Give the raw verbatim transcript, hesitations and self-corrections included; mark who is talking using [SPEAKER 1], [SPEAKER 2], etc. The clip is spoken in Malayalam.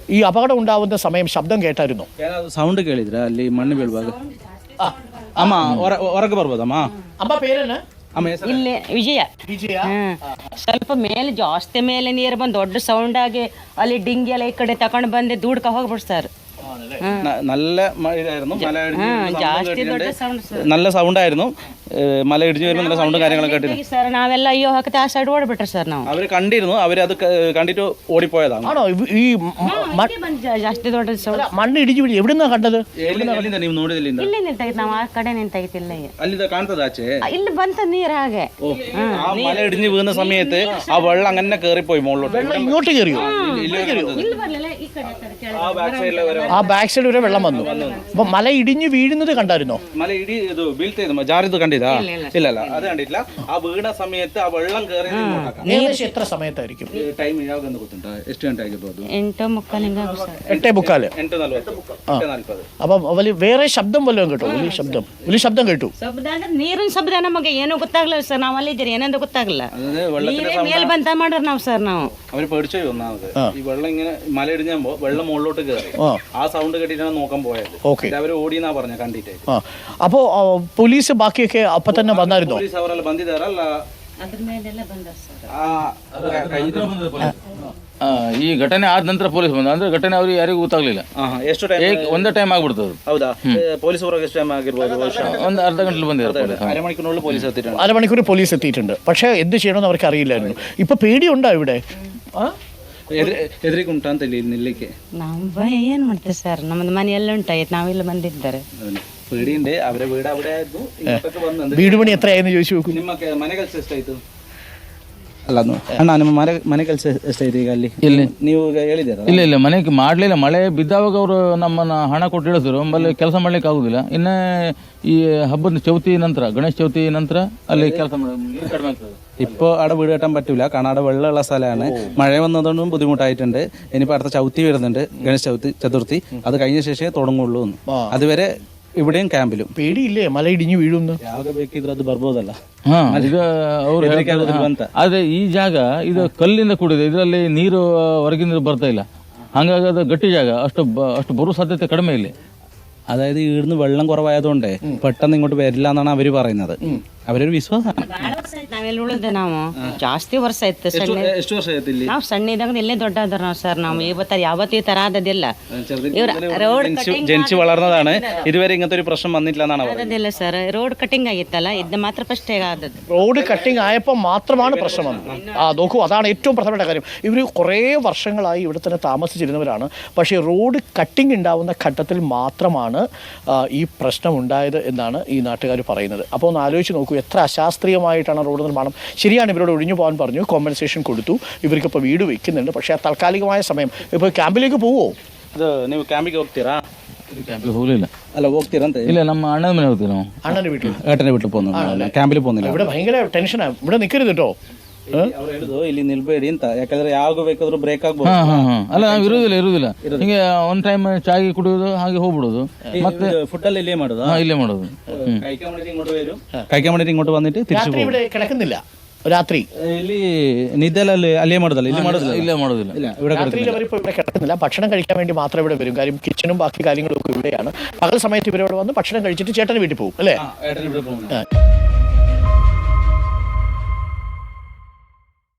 [SPEAKER 1] ഈ അപകടം ഉണ്ടാവുന്ന സമയം ശബ്ദം കേട്ടായിരുന്നോ?
[SPEAKER 2] ಸೌಂಡ್ ಕೇಳಿದ್ರ ಅಲ್ಲಿ ಮಣ್ಣು ಬೀಳುವಾಗ? ಅಮ್ಮ ಹೊರಗೆ ಬರ್ಬೋದಮ್ಮ?
[SPEAKER 1] ಅಮ್ಮ ಪೇರೇನ?
[SPEAKER 3] ಇಲ್ಲಿ ವಿಜಯ.
[SPEAKER 1] ವಿಜಯ
[SPEAKER 3] ಸ್ವಲ್ಪ ಮೇಲೆ ಜಾಸ್ತಿ ಮೇಲೆ ನೀರು ಬಂದು ದೊಡ್ಡ ಸೌಂಡ್ ಆಗಿ ಅಲ್ಲಿ ಡಿಂಗಿ ಎಲ್ಲ ಈ ಕಡೆ ತಗೊಂಡು ಬಂದು ದೂಡ್ಕ ಹೋಗ್ಬಿಡ್ತಾರೆ.
[SPEAKER 2] നല്ല ഇതായിരുന്നു, മല
[SPEAKER 3] ಜಾಸ್ತಿ ದೊಡ್ಡ ಸೌಂಡ್ ಸರ್.
[SPEAKER 2] നല്ല സൗണ്ട് ആയിരുന്നു. മല ഇടിഞ്ഞു വരുമ്പോൾ നല്ല സൗണ്ടും കാര്യങ്ങളൊക്കെ കേട്ടിരുന്നു
[SPEAKER 3] ಸರ್. ನಾವೆಲ್ಲ ಅಯ್ಯೋ ಹಾಕತ್ತೆ ಆ ಸೈಡ್ ಓಡ್ಬಿಟ್ರೆ ಸರ್ ನಾವು.
[SPEAKER 2] അവര് കണ്ടിരുന്നു, അവരത് കണ്ടിട്ട് ഓടിപ്പോയതാണ്.
[SPEAKER 1] ആണോ? ഈ
[SPEAKER 3] ಜಾಸ್ತಿ ದೊಡ್ಡ ಸೌಂಡ್
[SPEAKER 1] മണ്ണ് ഇടിഞ്ഞു വീഴ് എവിടുന്നാ കണ്ടത്?
[SPEAKER 2] ಎಲ್ಲಿಂದ ನೀವು ನೋಡಿದಿಲ್ಲ?
[SPEAKER 3] ಇಲ್ಲಿ ನಿಂತಾಗಿತ್ತು, ನಾವು ಆ ಕಡೆ ನಿಂತಾಗಿತ್ತಿಲ್ಲ.
[SPEAKER 2] ಅಲ್ಲಿಂದ ಕಾಣ್ತದ ಆಚೆ?
[SPEAKER 3] ಇಲ್ಲಿ ಬಂತ ನೀರು ಹಾಗೆ.
[SPEAKER 2] ആ മല ഇടിഞ്ഞു വീഴുന്ന സമയത്ത് ആ വെള്ളം അങ്ങനെ കയറിപ്പോയി മുകളിലോട്ട്.
[SPEAKER 1] ഇങ്ങോട്ട് കയറിയോ?
[SPEAKER 3] ಇಲ್ಲಿ ಬರಲಿಲ್ಲ, ಈ കಡೆ
[SPEAKER 2] ആ ബാക്ക് സൈഡിലെ വരെ
[SPEAKER 1] ആ ബാക്ക് സൈഡ് വരെ വെള്ളം വന്നു. അപ്പൊ മല ഇടിഞ്ഞു വീഴുന്നത് കണ്ടായിരുന്നോ?
[SPEAKER 2] മല ഇടി ഇത് വീഴ്ത്തിയത് ജാറിത് കണ്ടില്ല? ഇല്ല ഇല്ല, അത് കണ്ടിട്ടില്ല. ആ വീണ സമയത്ത് ആ വെള്ളം കയറി.
[SPEAKER 1] ഏകദേശം എത്ര സമയത്തായിരിക്കും?
[SPEAKER 2] ಟೈಮ್ ಯಾವಾಗ ಗೊತ್ತುಂಟ? ಎಷ್ಟು ಗಂಟೆ ಆಗಿರ್ಬೋದು?
[SPEAKER 3] ಎಂಟು ಮುಕ್ಕಾಲು ಹಿಂಗ ಸರ್.
[SPEAKER 1] എട്ടേ മുക്കാല്.
[SPEAKER 2] ಎಂಟು ನಲ್ವತ್ತು, ಎಂಟು ನಾಲ್ಪದು.
[SPEAKER 1] അപ്പൊ വലിയ വേറെ ശബ്ദം വല്ലതും കേട്ടോ? വലിയ ശബ്ദം വലിയ ശബ്ദം കേട്ടു.
[SPEAKER 3] ಶಬ್ದ ಅಂದ್ರೆ ನೀರಿನ ಶಬ್ದ ನಮಗೆ ಏನೂ ಗೊತ್ತಾಗ್ಲಿಲ್ಲ ಸರ್. ನಾವು ಅಲ್ಲಿದ್ದೀರಿ ಏನೆಂದು ಗೊತ್ತಾಗಲ್ಲ. ನೀರೇ ಮೇಲ್ ಬಂತ ಮಾಡ್ರಿ ನಾವು ಸರ್. ನಾವು
[SPEAKER 2] അവര് പേടിച്ചു ഒന്നാമത്. ഈ വെള്ളം ഇങ്ങനെ മല ഇടിഞ്ഞപ്പോ വെള്ളം മുകളിലോട്ട് കയറി. ആ സൗണ്ട് കേട്ടിട്ടാണ് നോക്കാൻ പോയത്. അവര് ഓടിയെന്നാ പറഞ്ഞ കണ്ടിട്ട്.
[SPEAKER 1] അപ്പോ പോലീസ് ബാക്കിയൊക്കെ അപ്പൊ തന്നെ വന്നായിരുന്നോ?
[SPEAKER 2] പോലീസ് അവരെല്ലാം ಬಂದಿದ್ದಾರಲ್ಲ?
[SPEAKER 3] ಅದ್ರ ಮೇಲೆಲ್ಲ ಬಂದ ಸರ್.
[SPEAKER 4] ಈ ಘಟನೆ ಆದ ನಂತರ ಪೊಲೀಸ್ ಬಂದ. ಅಂದ್ರೆ ಘಟನೆ ಅವ್ರಿಗೆ ಯಾರಿಗೂ ಗೊತ್ತಾಗ್ಲಿಲ್ಲ.
[SPEAKER 2] ಎಷ್ಟು ಟೈಮ್?
[SPEAKER 4] ಒಂದೇ ಟೈಮ್ ಆಗ್ಬಿಡ್ತದೆ.
[SPEAKER 2] ಹೌದಾ? പോലീസ് ಹೊರಗೆ ಎಷ್ಟು ಟೈಮ್ ಆಗಿರ್ಬೋದು?
[SPEAKER 4] ಒಂದು ಅರ್ಧ ಗಂಟೆ ಬಂದಿದ್ದಾರೆ.
[SPEAKER 2] അരമണിക്കൂറിനുള്ളിൽ പോലീസ് എത്തിയിട്ടുണ്ട്.
[SPEAKER 1] അരമണിക്കൂർ പോലീസ് എത്തിയിട്ടുണ്ട്. പക്ഷേ എന്ത് ചെയ്യണമെന്ന് അവർക്ക് അറിയില്ലായിരുന്നു. ഇപ്പൊ പേടിയുണ്ടോ ഇവിടെ?
[SPEAKER 2] ಎದುರಿಗುಂಟ ಅಂತ ಇಲ್ಲಿ ನಿಲ್ಲಿಕ್ಕೆ
[SPEAKER 3] ನಾವು ಭಯ ಏನ್ ಮಾಡ್ತೇವೆ ಸರ್. ನಮ್ಮದು ಮನೆ ಎಲ್ಲ ಉಂಟಾಯ್ತು, ನಾವಿಲ್ಲಿ ಬಂದಿದ್ದಾರೆ.
[SPEAKER 2] പേടിയുണ്ട്. അവരെ വീട് അവിടെ ആയിരുന്നു.
[SPEAKER 1] വീട് പണി എത്രയായെന്ന് ചോദിച്ചു നോക്കൂ.
[SPEAKER 2] ನಿಮ್ಮ ಮನೆ ಕೆಲಸ ಎಷ್ಟಾಯ್ತು? ಅಲ್ಲ ಅಣ್ಣ, ನಿಮ್ಮ ಮನೆ ಮನೆ ಕೆಲಸ ಎಷ್ಟಾಯ್ತು ಈಗ ಅಲ್ಲಿ?
[SPEAKER 4] ಇಲ್ಲಿ
[SPEAKER 2] ನೀವು ಹೇಳಿದ್ದೀರ?
[SPEAKER 4] ಇಲ್ಲ ಇಲ್ಲ, ಮನೆಗೆ ಮಾಡ್ಲಿಲ್ಲ. ಮಳೆ ಬಿದ್ದಾವಾಗ ಅವರು ನಮ್ಮನ್ನ ಹಣ ಕೊಟ್ಟು ಇಳಿಸಿದ್ರು. ಆಮೇಲೆ ಕೆಲಸ ಮಾಡ್ಲಿಕ್ಕೆ ಆಗುದಿಲ್ಲ. ಇನ್ನ ಈ ಹಬ್ಬದ ചവിತಿ ನಂತರ, ഗണേശ ചവിತಿ ನಂತರ ಅಲ್ಲಿ ಕೆಲಸ കಡಿಮೆ ಆಗ್ತದೆ.
[SPEAKER 2] ഇപ്പോൾ അവിടെ വീട് കെട്ടാൻ പറ്റില്ല, കാരണം അവിടെ വെള്ളമുള്ള സ്ഥലമാണ്. മഴ വന്നതുകൊണ്ടും ബുദ്ധിമുട്ടായിട്ടുണ്ട്. ഇനിയിപ്പോൾ അടുത്ത ചവിത്തി വരുന്നുണ്ട്, ഗണേശ ചവിത്തി ചതുർത്ഥി. അത് കഴിഞ്ഞ ശേഷമേ തുടങ്ങുള്ളൂ. അതുവരെ ഇവിടെയും ക്യാമ്പിലും.
[SPEAKER 1] പേടിയില്ലേ മല ഇടിഞ്ഞു വീഴുന്നു?
[SPEAKER 2] ಯಾವಾಗ ಬೇಕಿದ್ರೆ ಅದು ಬರ್ಬೋದಲ್ಲ?
[SPEAKER 4] ಹಾ, ಈಗ ಅವ್ರು ಆದ್ರೆ ಈ ಜಾಗ ಇದು ಕಲ್ಲಿಂದ ಕೂಡಿದೆ. ಇದರಲ್ಲಿ ನೀರು ಹೊರಗಿನ ನೀರು ಬರ್ತಾ ಇಲ್ಲ. ಹಂಗಾಗಿ ಅದು ಗಟ್ಟಿ ಜಾಗ. ಅಷ್ಟು ಅಷ್ಟು ಬರೋ ಸಾಧ್ಯತೆ ಕಡಿಮೆ ಇಲ್ಲಿ.
[SPEAKER 2] അതായത് ഇവിടുന്ന് വെള്ളം കുറവായതുകൊണ്ട് പെട്ടെന്ന് ഇങ്ങോട്ട് വരില്ല എന്നാണ് അവര് പറയുന്നത്. അവരൊരു വിശ്വാസമാണ്.
[SPEAKER 3] ನಾವೆಲ್ಲ ಉಳಿದ ನಾವು ಜಾಸ್ತಿ ವರ್ಷ ಆಯ್ತು.
[SPEAKER 2] ಎಷ್ಟು ವರ್ಷ ಆಯ್ತು ಇಲ್ಲಿ?
[SPEAKER 3] ನಾವು ಸಣ್ಣ ಇದ್ದಾಗ ಇಲ್ಲೇ ದೊಡ್ಡದ್ರ ನಾವು ಸರ್. ನಾವು ಇವತ್ತ ಯಾವತ್ತೂ ಈ ತರ ಆದದಿಲ್ಲ. ರೋಡ್
[SPEAKER 2] ജനിച്ചു വളർന്നതാണ്. ഇതുവരെ ഇങ്ങനത്തെ ഒരു പ്രശ്നം വന്നിട്ടില്ല എന്നാണ് പറയുന്നത്.
[SPEAKER 3] ಆದದಿಲ್ಲ ಸರ್. ರೋಡ್ ಕಟಿಂಗ್ ಆಗಿತ್ತಲ್ಲ, ಇದು ಮಾತ್ರ ಫಸ್ಟ್ ಆದದ್ದು.
[SPEAKER 1] റോഡ് കട്ടിങ് ആയപ്പോൾ മാത്രമാണ് പ്രശ്നം വന്നത്. ആ നോക്കൂ, അതാണ് ഏറ്റവും പ്രധാനപ്പെട്ട കാര്യം. ഇവർ കുറേ വർഷങ്ങളായി ഇവിടെ തന്നെ താമസിച്ചിരുന്നവരാണ്. പക്ഷേ റോഡ് കട്ടിങ് ഉണ്ടാവുന്ന ഘട്ടത്തിൽ മാത്രമാണ് ഈ പ്രശ്നം ഉണ്ടായത് എന്നാണ് ഈ നാട്ടുകാർ പറയുന്നത്. അപ്പോൾ ഒന്ന് ആലോചിച്ച് നോക്കൂ, എത്ര അശാസ്ത്രീയമായിട്ടാണ് റോഡ് നിർമ്മാണം. ശരിയാണ്, ഇവരോട് ഒഴിഞ്ഞു പോകാൻ പറഞ്ഞു, കോമ്പൻസേഷൻ കൊടുത്തു, ഇവർക്കിപ്പോൾ വീട് വെക്കുന്നുണ്ട്. പക്ഷേ ആ താൽക്കാലികമായ സമയം ഇപ്പോൾ ക്യാമ്പിലേക്ക് പോവോ?
[SPEAKER 2] ಅದು ನೀವು ಕ್ಯಾಂಪಿಗೆ ಹೋಗ್ತೀರಾ?
[SPEAKER 4] ಕ್ಯಾಂಪಿಗೆ ಹೋಗ್ಲಿಲ್ಲ.
[SPEAKER 2] ಅಲ್ಲ, ಹೋಗ್ತೀರಾ ಅಂತ?
[SPEAKER 4] ಇಲ್ಲ, ನಮ್ಮ ಅಣ್ಣನ ಮನೆ ಹೋಗ್ತೀವಿ ನಾವು.
[SPEAKER 1] അണ്ണൻ്റെ വീട്ടിൽ?
[SPEAKER 2] ഏട്ടൻ്റെ വീട്ടിൽ പോകുന്നു, ക്യാമ്പിൽ പോകുന്നില്ല.
[SPEAKER 1] ഇവിടെ ഭയങ്കര ടെൻഷനാണ്. ഇവിടെ നിൽക്കരുത് കേട്ടോ.
[SPEAKER 2] ಅವ್ರು ಹೇಳುದು ಇಲ್ಲಿ ನಿಲ್ಬೇಡಿ ಅಂತ, ಯಾಕಂದ್ರೆ ಯಾವಾಗ ಬೇಕಾದ್ರೂ ಬ್ರೇಕ್ ಆಗ್ಬೋದು.
[SPEAKER 4] ಅಲ್ಲ, ನಾವು ಇರುವುದಿಲ್ಲ ಇರುವುದಿಲ್ಲ ಹಿಂಗೆ ಒನ್ ಟೈಮ್ ಚಾಗಿ ಕುಡಿಯೋದು, ಹಾಗೆ ಹೋಗ್ಬಿಡೋದು. ಮತ್ತೆ
[SPEAKER 2] ഫുഡ് ಅಲ್ಲಿ ಇಲ್ಲೇ ಮಾಡೋದು?
[SPEAKER 4] ಇಲ್ಲೇ ಮಾಡೋದು.
[SPEAKER 2] കഴിക്കാൻ വേണ്ടിട്ട് ഇങ്ങോട്ട് വരും, കഴിക്കാൻ വേണ്ടിട്ട് ഇങ്ങോട്ട് വന്നിട്ട് തിരിച്ചു പോകും.
[SPEAKER 1] ഇവിടെ കിടക്കുന്നില്ല രാത്രി?
[SPEAKER 2] ಇಲ್ಲಿ ನಿದ್ದೆಲ್ಲ ಅಲ್ಲಿ ಅಲ್ಲೇ ಮಾಡೋದಲ್ಲ, ಇಲ್ಲಿ ಮಾಡೋದಿಲ್ಲ.
[SPEAKER 4] ഇല്ല ಮಾಡೋದಿല്ല.
[SPEAKER 2] ഇവിടെ
[SPEAKER 1] രാത്രിയിൽ അവരിപ്പോൾ ഇവിടെ കിടക്കുന്നില്ല. ഭക്ഷണം കഴിക്കാൻ വേണ്ടി മാത്രം ഇവിടെ വരും. കാര്യം കിച്ചണും ബാക്കി കാര്യങ്ങളും ഒക്കെ ഇവിടെയാണ്. പകൽ സമയത്ത് ഇവരോട് വന്ന് ഭക്ഷണം കഴിച്ചിട്ട് ചേട്ടന് വീട്ടിൽ പോകും അല്ലേ?
[SPEAKER 2] ഏട്ടൻ്റെ വീട്ടിൽ പോകും.